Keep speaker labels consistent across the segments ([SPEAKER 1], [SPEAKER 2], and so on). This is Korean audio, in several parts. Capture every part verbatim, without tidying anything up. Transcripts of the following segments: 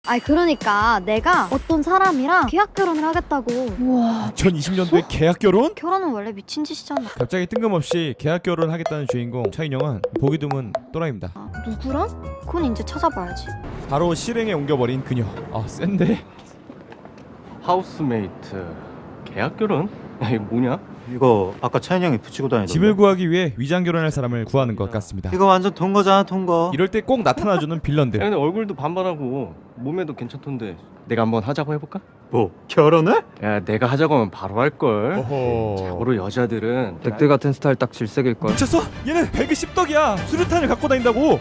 [SPEAKER 1] 아니 그러니까 내가 어떤 사람이랑 계약 결혼을 하겠다고.
[SPEAKER 2] 우와.
[SPEAKER 3] 이천이십 년도에 계약 결혼?
[SPEAKER 1] 결혼은 원래 미친 짓이잖아.
[SPEAKER 3] 갑자기 뜬금없이 계약 결혼을 하겠다는 주인공 차인영은 보기 드문 또라이입니다.
[SPEAKER 1] 아, 누구랑? 그건 이제 찾아봐야지.
[SPEAKER 3] 바로 실행에 옮겨버린 그녀. 아 센데?
[SPEAKER 4] 하우스메이트 계약 결혼? 이게 뭐냐?
[SPEAKER 5] 이거 아까 차인이 형이 붙이고 다니던데.
[SPEAKER 3] 집을 구하기 위해 위장 결혼할 사람을 구하는 것 같습니다.
[SPEAKER 5] 이거 완전 통거잖아, 통거.
[SPEAKER 3] 이럴 때 꼭 나타나주는
[SPEAKER 4] 야,
[SPEAKER 3] 빌런들.
[SPEAKER 4] 근데 얼굴도 반반하고 몸매도 괜찮던데 내가 한번 하자고 해볼까?
[SPEAKER 5] 뭐 결혼을?
[SPEAKER 4] 야 내가 하자고 하면 바로 할걸.
[SPEAKER 3] 어허.
[SPEAKER 4] 자고로 여자들은
[SPEAKER 6] 늑대 같은 스타일 딱 질색일걸.
[SPEAKER 3] 미쳤어? 얘는 배그십 덕이야. 수류탄을 갖고 다닌다고.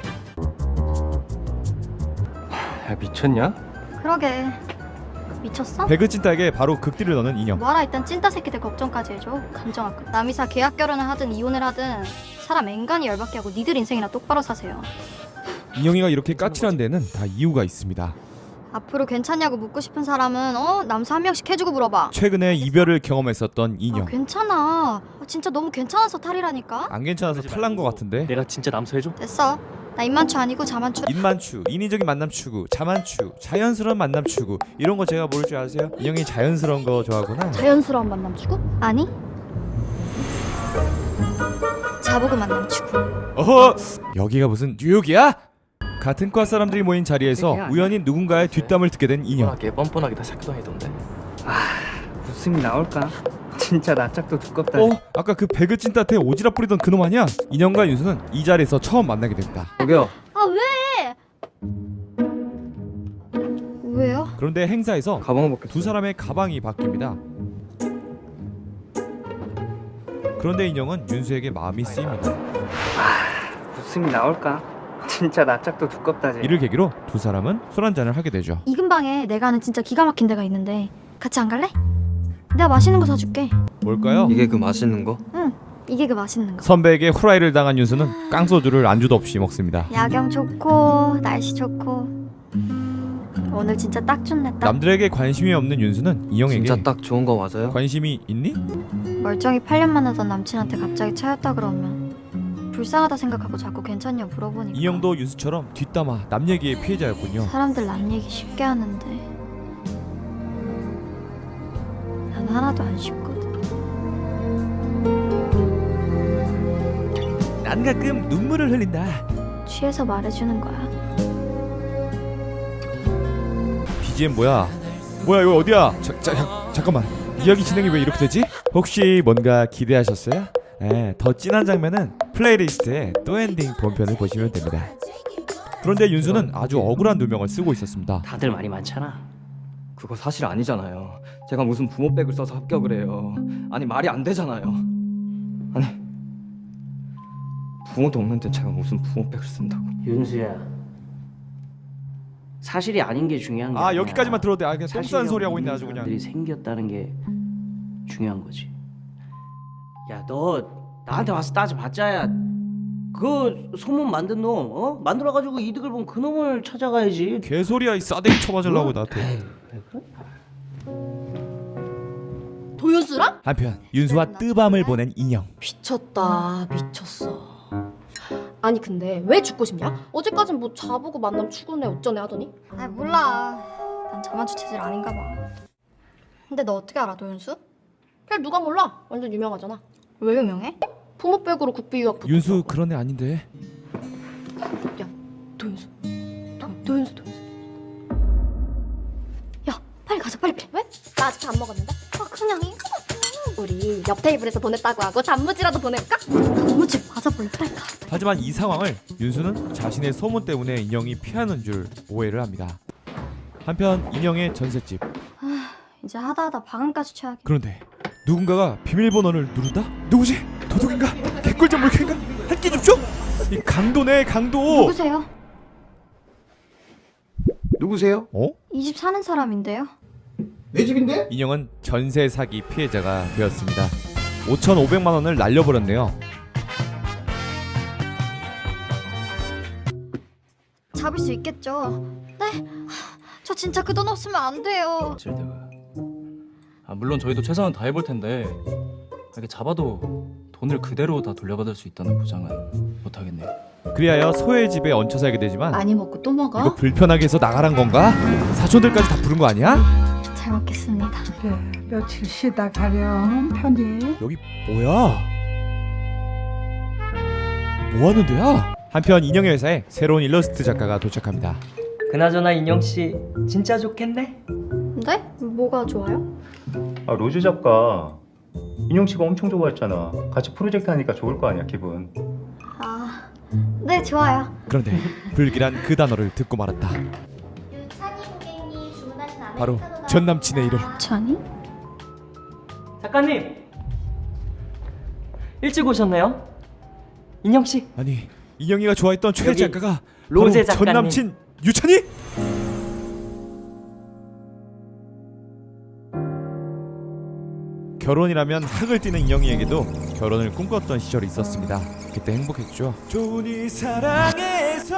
[SPEAKER 4] 야 미쳤냐?
[SPEAKER 1] 그러게. 미쳤어?
[SPEAKER 3] 배그 찐따에게 바로 극딜을 넣는 인형.
[SPEAKER 1] 뭐하라 일단 찐따 새끼들 걱정까지 해줘. 감정학급. 남이사 계약 결혼을 하든 이혼을 하든 사람 앵간히 열받게 하고 니들 인생이나 똑바로 사세요.
[SPEAKER 3] 인형이가 이렇게 까칠한 데는 다 이유가 있습니다.
[SPEAKER 1] 앞으로 괜찮냐고 묻고 싶은 사람은 어 남사 한 명씩 해주고 물어봐.
[SPEAKER 3] 최근에 이별을 경험했었던
[SPEAKER 1] 아,
[SPEAKER 3] 인형.
[SPEAKER 1] 괜찮아. 아, 진짜 너무 괜찮아서 탈이라니까.
[SPEAKER 3] 안 괜찮아서 탈난 것 같은데.
[SPEAKER 7] 내가 진짜 남서해줘?
[SPEAKER 1] 됐어. 나 입만추 아니고 자만추.
[SPEAKER 3] 인만추, 인위적인 만남 추구, 자만추, 자연스러운 만남 추구 이런 거 제가 모를 줄 아세요? 인형이 자연스러운 거 좋아하구나.
[SPEAKER 1] 자연스러운 만남 추구? 아니. 자보고 만남 추구.
[SPEAKER 3] 어허! 여기가 무슨 뉴욕이야? 같은 과 사람들이 모인 자리에서 우연히 누군가의 뒷담을 듣게 된 인형.
[SPEAKER 7] 뻔뻔하게 뻔뻔하게 다 사귀 다니던데.
[SPEAKER 6] 웃음이 나올까? 진짜 낯짝도 두껍다.
[SPEAKER 3] 어? 아까 그 배그 찐따한테 오지랖 부리던 그놈 아니야? 인형과 윤수는 이 자리에서 처음 만나게 됩니다.
[SPEAKER 6] 저기요.
[SPEAKER 1] 아 왜? 왜요?
[SPEAKER 3] 그런데 행사에서
[SPEAKER 6] 가방 벗겼어.
[SPEAKER 3] 두 사람의 가방이 바뀝니다. 그런데 인형은 윤수에게 마음이 쓰입니다.
[SPEAKER 6] 웃음이 나올까? 진짜 낯짝도 두껍다. 쟤.
[SPEAKER 3] 이를 계기로 두 사람은 술 한잔을 하게 되죠.
[SPEAKER 1] 이 근방에 내가 아는 진짜 기가 막힌 데가 있는데 같이 안 갈래? 내가 맛있는 거 사줄게.
[SPEAKER 3] 뭘까요?
[SPEAKER 6] 이게 그 맛있는 거?
[SPEAKER 1] 응. 이게 그 맛있는 거.
[SPEAKER 3] 선배에게 후라이를 당한 윤수는 깡소주를 안주도 없이 먹습니다.
[SPEAKER 1] 야경 좋고 날씨 좋고 오늘 진짜 딱 좋네. 딱
[SPEAKER 3] 남들에게 관심이 없는 윤수는 인형에게
[SPEAKER 6] 진짜 딱 좋은 거 맞아요?
[SPEAKER 3] 관심이 있니?
[SPEAKER 1] 멀쩡히 팔 년 만나던 남친한테 갑자기 차였다 그러면 불쌍하다 생각하고 자꾸 괜찮냐 물어보니까
[SPEAKER 3] 인형도 윤수처럼 뒷담화 남 얘기의 피해자였군요.
[SPEAKER 1] 사람들 남 얘기 쉽게 하는데 난 하나도 안 쉽거든.
[SPEAKER 3] 난 가끔 눈물을 흘린다.
[SPEAKER 1] 취해서 말해주는 거야.
[SPEAKER 3] 비지엠 뭐야? 뭐야 이거 어디야? 자, 자, 자, 잠깐만 이야기 진행이 왜 이렇게 되지? 혹시 뭔가 기대하셨어요? 네, 더 진한 장면은 플레이리스트에 또 엔딩 본편을 보시면 됩니다. 그런데 윤수는 아주 억울한 누명을 쓰고 있었습니다.
[SPEAKER 7] 다들 말이 많잖아.
[SPEAKER 6] 그거 사실 아니잖아요. 제가 무슨 부모백을 써서 합격을 해요. 아니 말이 안 되잖아요. 아니 부모도 없는데 제가 무슨 부모백을 쓴다고.
[SPEAKER 7] 윤수야. 사실이 아닌 게 중요한 게
[SPEAKER 3] 아
[SPEAKER 7] 아니야.
[SPEAKER 3] 여기까지만 들어도 돼. 아 그냥 똥
[SPEAKER 7] 사실이라고
[SPEAKER 3] 싸는 소리 하고 있네
[SPEAKER 7] 믿는
[SPEAKER 3] 아주 그냥.
[SPEAKER 7] 사람들이 생겼다는 게 중요한 거지. 야, 너 나한테 와서 따져봤자야. 그 소문 만든 놈, 어? 만들어가지고 이득을 본 그 놈을 찾아가야지.
[SPEAKER 3] 개소리야 이 싸대기 쳐맞으려고
[SPEAKER 7] 어?
[SPEAKER 3] 나한테.
[SPEAKER 2] 도윤수랑?
[SPEAKER 3] 한편 윤수와 뜨밤을 보낸 인형.
[SPEAKER 2] 미쳤다 미쳤어. 아니 근데 왜 죽고 싶냐? 어제까진 뭐 자보고 만남 추구네 어쩌네 하더니.
[SPEAKER 1] 아 몰라. 난 자만추 체질 아닌가 봐. 근데 너 어떻게 알아 도윤수?
[SPEAKER 2] 그냥 누가 몰라. 완전 유명하잖아.
[SPEAKER 1] 왜 유명해?
[SPEAKER 2] 부모백으로 국비 유학 붙었다고.
[SPEAKER 3] 윤수 그런 애 아닌데.
[SPEAKER 2] 야 도윤수 도, 도윤수 도윤수.
[SPEAKER 1] 야 빨리 가자 빨리 빨리.
[SPEAKER 2] 왜? 나 아직 안 먹었는데?
[SPEAKER 1] 아 그냥 이거
[SPEAKER 2] 우리 옆 테이블에서 보냈다고 하고 단무지라도 보낼까?
[SPEAKER 1] 단무지 맞아볼래 빨리 가.
[SPEAKER 3] 하지만 이 상황을 윤수는 자신의 소문 때문에 인형이 피하는 줄 오해를 합니다. 한편 인형의 전셋집.
[SPEAKER 1] 이제 하다하다 방음까지 취하게.
[SPEAKER 3] 그런데 누군가가 비밀번호를 누른다? 누구지? 도둑인가? 개꿀잼 물캔가? 한 끼 줍쇼? 이 강도네 강도.
[SPEAKER 1] 누구세요?
[SPEAKER 6] 누구세요?
[SPEAKER 3] 어?
[SPEAKER 1] 이 집 사는 사람인데요.
[SPEAKER 5] 내 집인데?
[SPEAKER 3] 인형은 전세 사기 피해자가 되었습니다. 오천오백만 원을 날려버렸네요.
[SPEAKER 1] 잡을 수 있겠죠. 네? 저 진짜 그 돈 없으면 안 돼요.
[SPEAKER 8] 질대가. 아 물론 저희도 최선을 다해볼 텐데 이렇게 잡아도 돈을 그대로 다 돌려받을 수 있다는 보장은 못하겠네요.
[SPEAKER 3] 그리하여 소의 집에 얹혀 살게 되지만
[SPEAKER 9] 많이 먹고 또 먹어?
[SPEAKER 3] 이거 불편하게 해서 나가란 건가? 사촌들까지 다 부른 거 아니야?
[SPEAKER 1] 잘 먹겠습니다.
[SPEAKER 10] 그래, 며칠 쉬다 가렴 편히.
[SPEAKER 3] 여기 뭐야? 뭐 하는 데야? 한편 인형의 회사에 새로운 일러스트 작가가 도착합니다.
[SPEAKER 6] 그나저나 인형씨 진짜 좋겠네?
[SPEAKER 1] 네? 뭐가 좋아요?
[SPEAKER 5] 아 로즈 작가 인용 씨가 엄청 좋아했잖아. 같이 프로젝트 하니까 좋을 거 아니야 기분.
[SPEAKER 1] 아, 네 좋아요.
[SPEAKER 3] 그런데 불길한 그 단어를 듣고 말았다.
[SPEAKER 1] 유찬이 고객님 주문하신
[SPEAKER 3] 바로 전 남친의 이름.
[SPEAKER 1] 찬이?
[SPEAKER 6] 작가님 일찍 오셨네요. 인형씨
[SPEAKER 3] 아니 인형이가 좋아했던 최애
[SPEAKER 6] 여기
[SPEAKER 3] 작가가
[SPEAKER 6] 로제
[SPEAKER 3] 바로 전
[SPEAKER 6] 작가님.
[SPEAKER 3] 남친 유찬이? 결혼이라면 학을 뛰는 인형이에게도 결혼을 꿈꿨던 시절이 있었습니다. 그때 행복했죠. 좋은이 사랑해서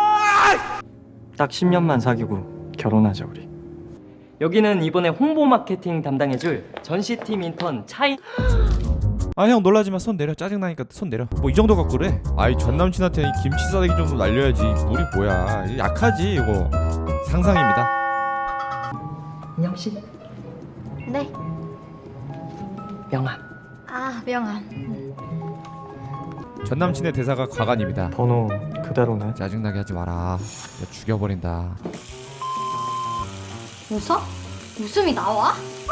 [SPEAKER 4] 딱 십 년만 사귀고 결혼하자 우리.
[SPEAKER 6] 여기는 이번에 홍보 마케팅 담당해줄 전시팀 인턴 차이.
[SPEAKER 3] 아 형 놀라지마. 손 내려. 짜증나니까 손 내려. 뭐 이 정도 갖고 그래? 아이 전 남친한테 이 김치 싸대기 정도 날려야지. 물이 뭐야. 이거 약하지 이거. 상상입니다.
[SPEAKER 6] 인형씨
[SPEAKER 1] 네.
[SPEAKER 6] 명함.
[SPEAKER 1] 아 명함.
[SPEAKER 3] 전 남친의 대사가 과간입니다.
[SPEAKER 4] 번호 그대로네.
[SPEAKER 3] 짜증나게 하지 마라. 야, 죽여버린다.
[SPEAKER 1] 웃어? 웃음이 나와?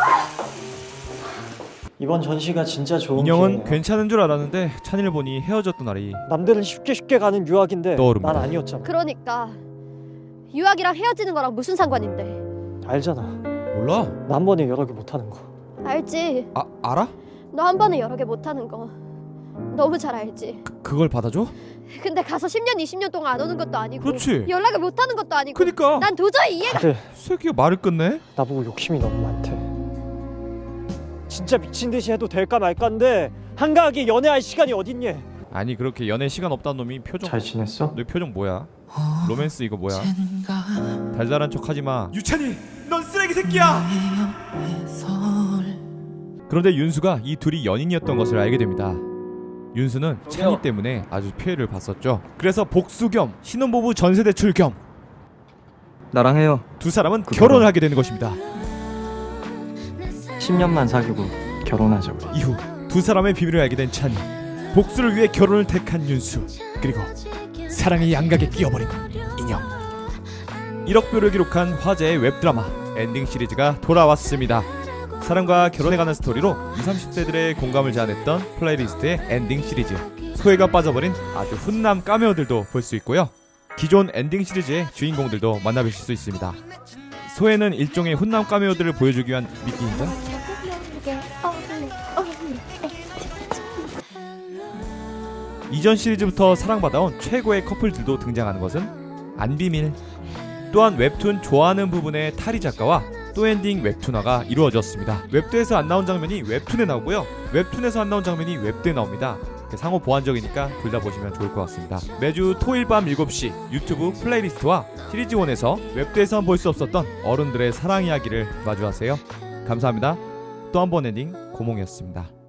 [SPEAKER 11] 이번 전시가 진짜 좋은
[SPEAKER 3] 인형은
[SPEAKER 11] 기회네요.
[SPEAKER 3] 괜찮은 줄 알았는데 찬이를 보니 헤어졌던 날이
[SPEAKER 11] 남들은 쉽게 쉽게 가는 유학인데
[SPEAKER 3] 떠오릅니다.
[SPEAKER 11] 난 아니었잖아.
[SPEAKER 2] 그러니까 유학이랑 헤어지는 거랑 무슨 상관인데?
[SPEAKER 11] 알잖아.
[SPEAKER 3] 몰라?
[SPEAKER 11] 나 한 번에 여러 개 못하는 거.
[SPEAKER 2] 알지.
[SPEAKER 3] 아 알아?
[SPEAKER 2] 너 한 번에 여러 개 못하는 거 너무 잘 알지.
[SPEAKER 3] 그, 그걸 받아줘?
[SPEAKER 2] 근데 가서 십 년 이십 년 동안 안 오는 것도 아니고
[SPEAKER 3] 그렇지.
[SPEAKER 2] 연락을 못하는 것도 아니고
[SPEAKER 3] 그니까
[SPEAKER 2] 난 도저히 이해가.
[SPEAKER 11] 다들
[SPEAKER 3] 새끼가 말을 끝내?
[SPEAKER 11] 나보고 욕심이 너무 많대. 진짜 미친 듯이 해도 될까 말까인데 한가하게 연애할 시간이 어딨니?
[SPEAKER 3] 아니 그렇게 연애 시간 없다는 놈이 표정.
[SPEAKER 4] 잘 지냈어?
[SPEAKER 3] 너 표정 뭐야? 로맨스 이거 뭐야? 달달한 척하지마. 유찬이 넌 쓰레기 새끼야. 그런데 윤수가 이 둘이 연인이었던 것을 알게 됩니다. 윤수는 찬이 때문에 아주 피해를 봤었죠. 그래서 복수 겸 신혼부부 전세 대출 겸
[SPEAKER 6] 나랑 해요.
[SPEAKER 3] 두 사람은
[SPEAKER 4] 그거랑-
[SPEAKER 3] 결혼을 하게 되는 것입니다.
[SPEAKER 4] 십 년만 사귀고 결혼하자 우리.
[SPEAKER 3] 이후 두 사람의 비밀을 알게 된 찬이, 복수를 위해 결혼을 택한 윤수, 그리고 사랑의 양각에 끼어버린 인형. 일억 뷰를 기록한 화제의 웹드라마 엔딩 시리즈가 돌아왔습니다. 사랑과 결혼해가는 스토리로 이십, 삼십 대들의 공감을 자아냈던 플레이리스트의 엔딩 시리즈. 소혜가 빠져버린 아주 훈남 카메오들도 볼 수 있고요. 기존 엔딩 시리즈의 주인공들도 만나보실 수 있습니다. 소혜는 일종의 훈남 카메오들을 보여주기 위한 미끼인가? 이전 시리즈부터 사랑받아온 최고의 커플들도 등장하는 것은 안 비밀. 또한 웹툰 좋아하는 부분의 타리 작가와 또 엔딩 웹툰화가 이루어졌습니다. 웹드에서 안 나온 장면이 웹툰에 나오고요, 웹툰에서 안 나온 장면이 웹드에 나옵니다. 상호 보완적이니까 둘 다 보시면 좋을 것 같습니다. 매주 토요일 밤 일곱 시 유튜브 플레이리스트와 시리즈원에서 웹드에서는 볼 수 없었던 어른들의 사랑 이야기를 마주하세요. 감사합니다. 또 한 번 엔딩 고몽이었습니다.